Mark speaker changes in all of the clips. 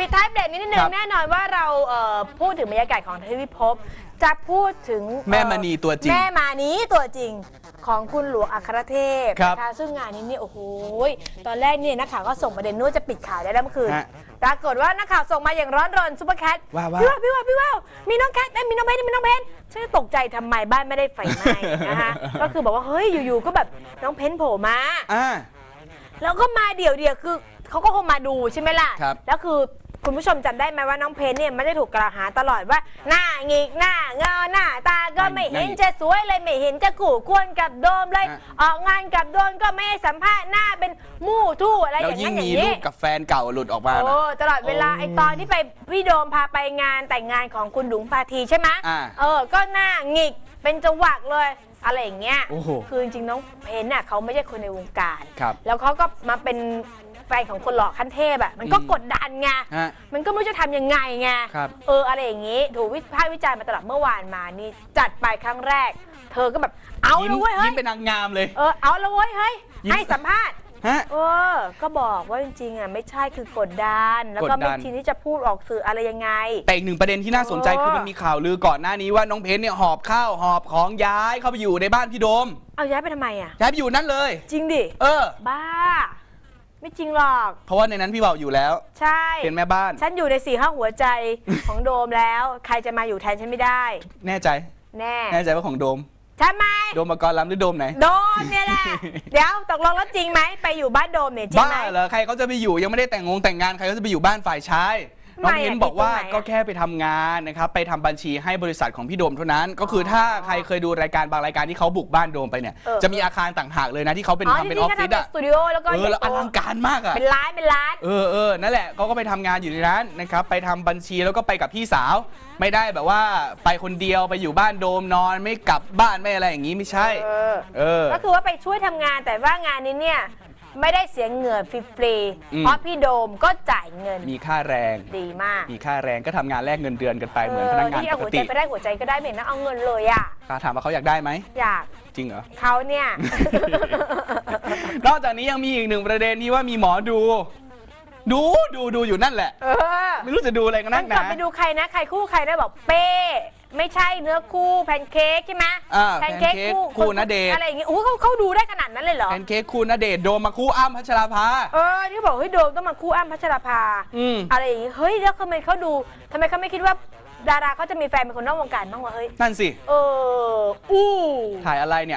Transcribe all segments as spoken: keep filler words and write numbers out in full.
Speaker 1: ปิดท้ายเบรกนิดนึงแน่นอนว่าเราพูดถึงบรรยากาศของทวีภพจะพูดถึง
Speaker 2: แม่มณีตัวจริง
Speaker 1: แม่มานีตัวจริงของคุณหลวงอัครเทพ
Speaker 2: นะ
Speaker 1: คะซึ่งงานนี้เนี่ยโอ้โหตอนแรกเนี่ยนักข่าวก็ส่งประเด็นนู้นจะปิดข่าวได้แล้วเมื่อคืนปรากฏว่านักข่าวส่งมาอย่างร้อนรนซุปเปอร์แคทพี่ว่าพี่ว่าพี่ว่ามีน้องแคทมีน้องเพนมีน้องเพนฉันตกใจทำไมบ้านไม่ได้ไฟไหม้นะคะก็คือบอกว่าเฮ้ยอยู่ๆก็แบบน้องเพนโผล่มาแล้วก็มาเดี่ยวๆคือเขาก็คงมาดูใช่ไหมล่ะแล้วคือคุณผู้ชมจำได้ไหมว่าน้องเพนเนี่ยไม่ได้ถูกกล่าวหาตลอดว่าหน้าหงิกหน้าเงาหน้าตาก็ไม่เห็นจะสวยเลยไม่เห็นจะกู่ควรกับโดมเลยออกงานกับโดมก็ไม่ให้สัมภาษณ์หน้าเป็นมู่ทู่อะไรอย่างนั้นอย่างนี้
Speaker 2: แล้วยิ่งมีรูปกับแฟนเก่าหลุดออกมา
Speaker 1: โอ้ตลอดเวลาไอตอนที่ไปพี่โดมพาไปงานแต่งงานของคุณดุ๋งพาทีใช่ไหมเออก็หน้าหงิกเป็นจังหวะเลยอะไรอย่างเงี้ยคือจริงๆน้องเพนน่ะเขาไม่ใช่คนในวงการแล้วเขาก็มาเป็นแฟนของคนหล่อขั้นเทพอ่ะมันก็กดดันไงมันก็ไม่รู้จะทำยังไงไงเอออะไรอย่างงี้ถูกวิพากษ์วิจารณ์มาตลอดเมื่อวานมานี่จัดไปครั้งแรกเธอก็แบบเอาเลยเว้ยเฮ้ย
Speaker 2: ยิ้มเป็นนางงามเลย
Speaker 1: เออเอาเลยเว้ยเฮ้ยให้สัมภาษณ์เออก็บอกว่าจริงๆอ่ะไม่ใช่คือกดดันแล้วก็ไม่ทีนี้จะพูดออกสื่ออะไรยังไง
Speaker 2: แต่อีกหนึ่งประเด็นที่น่าสนใจคือมันมีข่าวลือก่อนหน้านี้ว่าน้องเพนเนี่ยหอบข้าวหอบของย้ายเข้าไปอยู่ในบ้านพี่โดม
Speaker 1: เอาย้ายไปทำไมอ่ะ
Speaker 2: ย้ายไปอยู่นั่นเลย
Speaker 1: จริงดิ
Speaker 2: เออ
Speaker 1: บ้าไม่จริงหรอก
Speaker 2: เพราะว่าในนั้นพี่เบาอยู่แล้ว
Speaker 1: ใช่
Speaker 2: เป็นแม่บ้าน
Speaker 1: ฉันอยู่ในสี่ห้าหัวใจของโดมแล้วใครจะมาอยู่แทนฉันไม่ได้
Speaker 2: แน่ใจ
Speaker 1: แน่
Speaker 2: แน่ใจว่าของโดม
Speaker 1: ใช่ไหม
Speaker 2: โดมปกรณ์ล้ำหรือโดมไหน
Speaker 1: โดมเนี่ยแหละเดี๋ยวตกลงแล้วจริงไหมไปอยู่บ้านโดมเนี่ยจริงไหม
Speaker 2: บ้าเหรอใครเขาจะไปอยู่ยังไม่ได้แต่งงงแต่งงานใครเขาจะไปอยู่บ้านฝ่ายชายน้องเพนบอกว่าก็แค่ไปทำงานนะครับไปทำบัญชีให้บริษัทของพี่โดมเท่านั้นก็คือถ้าใครเคยดูรายการบางรายการที่เขาบุกบ้านโดมไปเนี่ยจะมีอาคารต่างหากเลยนะที่เขาเป็นทำเป็นออฟฟิศอะ
Speaker 1: สตูดิโอแล้วก็
Speaker 2: เออแล้วอลังการมากอะ
Speaker 1: เป็นร้านเป็นร้าน
Speaker 2: เออเออนั่นแหละเขาก็ไปทำงานอยู่ในนั้นนะครับไปทำบัญชีแล้วก็ไปกับพี่สาวไม่ได้แบบว่าไปคนเดียวไปอยู่บ้านโดมนอนไม่กลับบ้านไม่อะไรอย่างนี้ไม่ใช่เออ
Speaker 1: ก็คือว่าไปช่วยทำงานแต่ว่างานนี้เนี่ยไม่ได้เสียเงินฟรีๆเพราะพี่โดมก็จ่ายเงิน
Speaker 2: มีค่าแรง
Speaker 1: ดีมาก
Speaker 2: มีค่าแรงก็ทำงานแลกเงินเดือนกันไปเหมือนพนักงานปกติ
Speaker 1: ที่เอาหัวใจไปได้หัวใจก็ได้เหมือนนะเอาเงินเลยอ่ะ
Speaker 2: ถามว่าเขาอยากได้ไหม
Speaker 1: อยาก
Speaker 2: จริงเหรอ
Speaker 1: เขาเนี่ย
Speaker 2: นอกจากนี้ยังมีอีกหนึ่งประเด็นที่ว่ามีหมอดูดูดูดูอยู่นั่นแหละไม่รู้จะดูอะไรกันนักหนา
Speaker 1: ไปดูใครนะใครคู่ใครได้บอกเป้ไม่ใช่เนื้อคู่แพนเค้กใช่ไหม
Speaker 2: แพนเค้กคู่ณเดชน์
Speaker 1: อะไรอย่างงี้โอ้เขาเขาดูได้ขนาดนั้นเลยเหรอ
Speaker 2: แพนเค้กคู่ณเดชน์โดมมาคู่อ้ำพัชราภา
Speaker 1: เออที่บอกเฮ้ยโดมต้องมาคู่อ้ำพัชราภาอะไรอย่างงี้เฮ้ยแล้วทำไมเขาดูทำไมเขาไม่คิดว่าดาราเขาจะมีแฟนเป็นคนนอกวงการบ้างวะเฮ้ย
Speaker 2: นั่นสิ
Speaker 1: เอออู้
Speaker 2: ถ่ายอะไรเนี่ย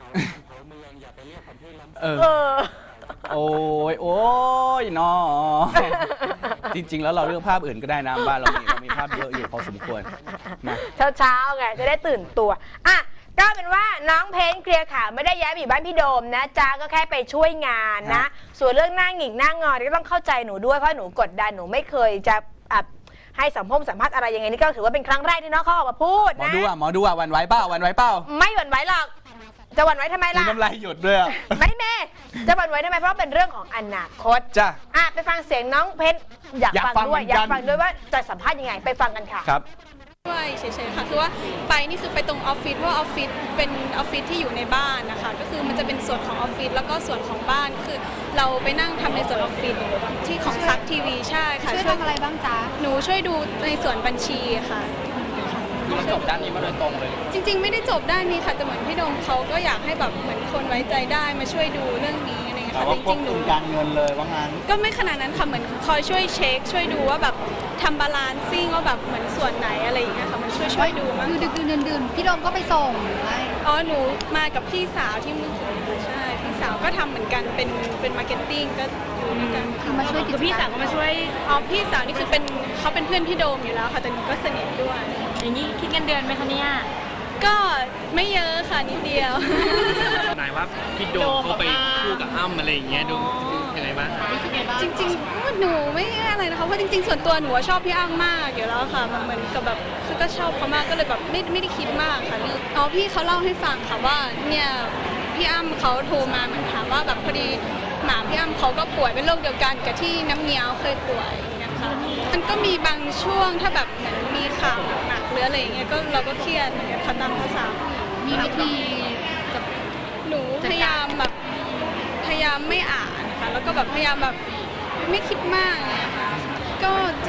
Speaker 2: เออโอ้ยโอ้ยนอจริงๆแล้วเราเลือกภาพอื่นก็ได้นะบ้านเรามีเรามีภาพเยอะอยู่พอสมควร
Speaker 1: นะเช้าๆไงจะได้ตื่นตัวอ่ะก็เป็นว่าน้องเพนเคลียร์ข่าวไม่ได้ย้ายไปอยู่บ้านพี่โดมนะจ้าก็แค่ไปช่วยงานนะส่วนเรื่องหน้าหงิกหน้างอนก็ต้องเข้าใจหนูด้วยเพราะหนูกดดันหนูไม่เคยจะให้สัมภาษณ์สัมภาษณ์อะไรยังไงนี่ก็ถือว่าเป็นครั้งแรกที่น้องเขาออกมาพูดนะ
Speaker 2: หมอดูอ่ะหมอดูอ่ะวันไหวเป้าวันไหวเป้า
Speaker 1: ไม่หวั่นไหวหรอกจะหวั่นไหวทำไมล่ะ
Speaker 2: น้ำลายหยดด้วย
Speaker 1: ไม่แม่จะหวั่นไหวทำไมเพราะเป็นเรื่องของอนาคต
Speaker 2: จ้ะ
Speaker 1: อ่ะไปฟังเสียงน้องเพชรอยากฟังด้วยอยากฟังด้วยว่าจะสัมภาษณ์ยังไงไปฟังกันค่ะ
Speaker 2: ครับ
Speaker 3: ด้วยเฉยๆค่ะคือว่าไปนี่คือไปตรงออฟฟิศเพราะออฟฟิศเป็นออฟฟิศที่อยู่ในบ้านนะคะก็คือมันจะเป็นส่วนของออฟฟิศแล้วก็ส่วนของบ้านคือเราไปนั่งทำในส่วนออฟฟิศที่ของซักทีวีใช่ค่ะ
Speaker 4: ช่วยทำอะไรบ้างจ๊ะ
Speaker 3: หนูช่วยดูในส่วนบัญชีค่ะ
Speaker 2: เราจบด้านนี้มาโดยตรงเลย
Speaker 3: จริงๆไม่ได้จบด้านนี้ค่ะแต่เหมือนพี่โดมเขาก็อยากให้แบบเหมือนคนไว้ใจได้มาช่วยดูเรื่องนี้อะไรเงี้ยค่ะจริงๆหนู
Speaker 2: การเงินเลยว่างั้น
Speaker 3: ก็ไม่ขนาดนั้นค่ะเหมือนคอยช่วยเช็คช่วยดูว่าแบบทำบาลานซิ่งว่าแบบเหมือนส่วนไหนอะไรอย่างเงี้ยค่ะมันช่วยช่วยดูมั้ง
Speaker 4: คือดึกๆดื่นๆพี่โดมก็ไปส่งไหม
Speaker 3: อ๋อหนูมากับพี่สาวที่เมืองสุรินทร์ใช่พี่สาวก็ทำเหมือนกันเป็นเป็นมาร์เก็ตติ้งก็อยู่ด้วยกัน
Speaker 4: คือมาช่วย
Speaker 3: คือพี่สาวก็มาช่วยอ๋อพี่สาวนี่คือเป็นเขาเป็นเพื่อนพี่โดมอยู่แล้วค่ะแต่หนูก็สนิทด้วย
Speaker 1: อย่างนี้คิดเงินเดือนไหมคะเนี่ย
Speaker 3: ก็ไม่เยอะค่ะนิดเดีย
Speaker 5: วนายว่าพี่โดมเขาไปคู่กับอ้ำอะไรอย่างเงี้ยดูยังไงบ้าง
Speaker 3: จริงๆหนูไม่อะไรนะคะเพราะจริงๆส่วนตัวหนูชอบพี่อ้ำมากอยู่แล้วค่ะเหมือนกับแบบคือก็ชอบเขามากก็เลยแบบไม่ไม่ได้คิดมากค่ะอ๋อพี่เขาเล่าให้ฟังค่ะว่าเนี่ยพี่อ้ำเขาโทรมาเหมือนถามว่าแบบพอดีหมาพี่อ้ำเขาก็ป่วยเป็นโรคเดียวกันกับที่น้ำเงี้ยวเคยป่วยนะคะมันก็มีบางช่วงถ้าแบบเหมือนมีข่าวหนักหรืออะไรอย่างเงี้ยก็เราก็เครียดเหมือนกันค่ะตามภาษา
Speaker 4: มีวิธี
Speaker 3: หนูพยายามแบบพยายามไม่อ่านค่ะแล้วก็แบบพยายามแบบไม่คิดมากเนี่ยค่ะก็จ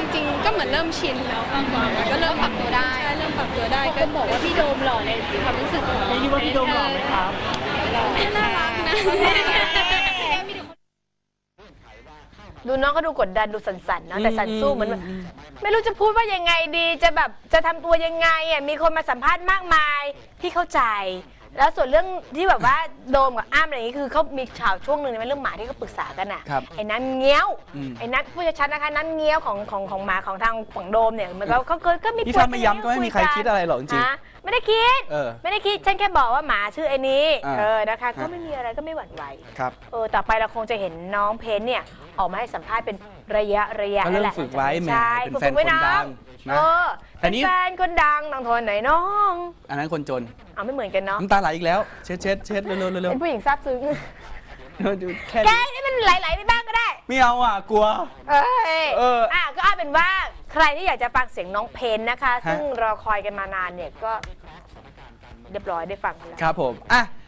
Speaker 3: ก็เหมือนเริ่มชินแล้วมากกว่าก็เริ่มปรับตัวได้ใช่เริ่มปรับตัวได้ก็บอกว่าพี่โดมหล่อในความรู้สึกของคิดว่าพี่โดมหล่อไหมครับน่ารักนะ
Speaker 1: ดูน้องก็ดูกดดันดูสั่นๆนะแต่สั่นสู้เหมือนแบบไม่รู้จะพูดว่ายังไงดีจะแบบจะทำตัวยังไงอ่ะมีคนมาสัมภาษณ์มากมายพี่เข้าใจ แล้วส่วนเรื่องที่แบบว่าโดมกับอ้ำอะไรอย่างนี้คือเขามีข่าวช่วงหนึ่งในเรื่องหมาที่เขาปรึกษากันอ่ะ
Speaker 2: ครับ
Speaker 1: ไอ้นั้นเงี้ยว
Speaker 2: อืม
Speaker 1: ไอ้นั้นผู้ชัดๆนะคะนั้นเงี้ยวของของของหมาของทางฝั่งโดมเนี่ยมันก็เขาเคยก็มี
Speaker 2: นี่ถ้าไม่ย้ำก็ไม่มีใครคิดอะไรหรอกจริง
Speaker 1: ฮะไม่ได้คิด
Speaker 2: เออ
Speaker 1: ไม่ได้คิดฉันแค่บอกว่าหมาชื่อไอ้นี้
Speaker 2: อ่า
Speaker 1: เออนะคะก็
Speaker 2: ฮะ
Speaker 1: ไม่มีอะไรก็ไม่หวั่นไหว
Speaker 2: ครับ
Speaker 1: เออต่อไปเราคงจะเห็นน้องเพนเนี่ยออกมาให้สัมภาษณ์เป็นระยะระยะ
Speaker 2: ก็เริ่ม
Speaker 1: แหละ
Speaker 2: ฝึกไว้แหม
Speaker 1: ใช่
Speaker 2: เป็น
Speaker 1: ฝึก
Speaker 2: แฟน
Speaker 1: ไว้
Speaker 2: คนดังนะ
Speaker 1: เออ
Speaker 2: แต่
Speaker 1: เป็น
Speaker 2: นี่
Speaker 1: แฟนคนดังต้องทนหน่อยน้อง
Speaker 2: อันนั้นคนจน
Speaker 1: เอาไม่เหมือนกันเนาะ
Speaker 2: น้ำตาไหลอีกแล้ว เช็ดเช็ดเช็ดเร็วเร็วเร็ว
Speaker 1: เป็นผู้หญิงซาบซึ้ง
Speaker 2: ดูแค่
Speaker 1: แก
Speaker 2: นี้
Speaker 1: ให้มันไหลๆไปบ้างก็ได้
Speaker 2: ไม่เอาอ่ะ กลัว
Speaker 1: เอย
Speaker 2: เอออ่
Speaker 1: อ่ะก็เอาเป็นว่าใครที่อยากจะฟังเสียงน้องเพนนะคะ ซึ่งรอคอยกันมานานเนี่ยก็เรียบร้อยได้ฟังกันแล้ว
Speaker 2: ครับผม อ่ะ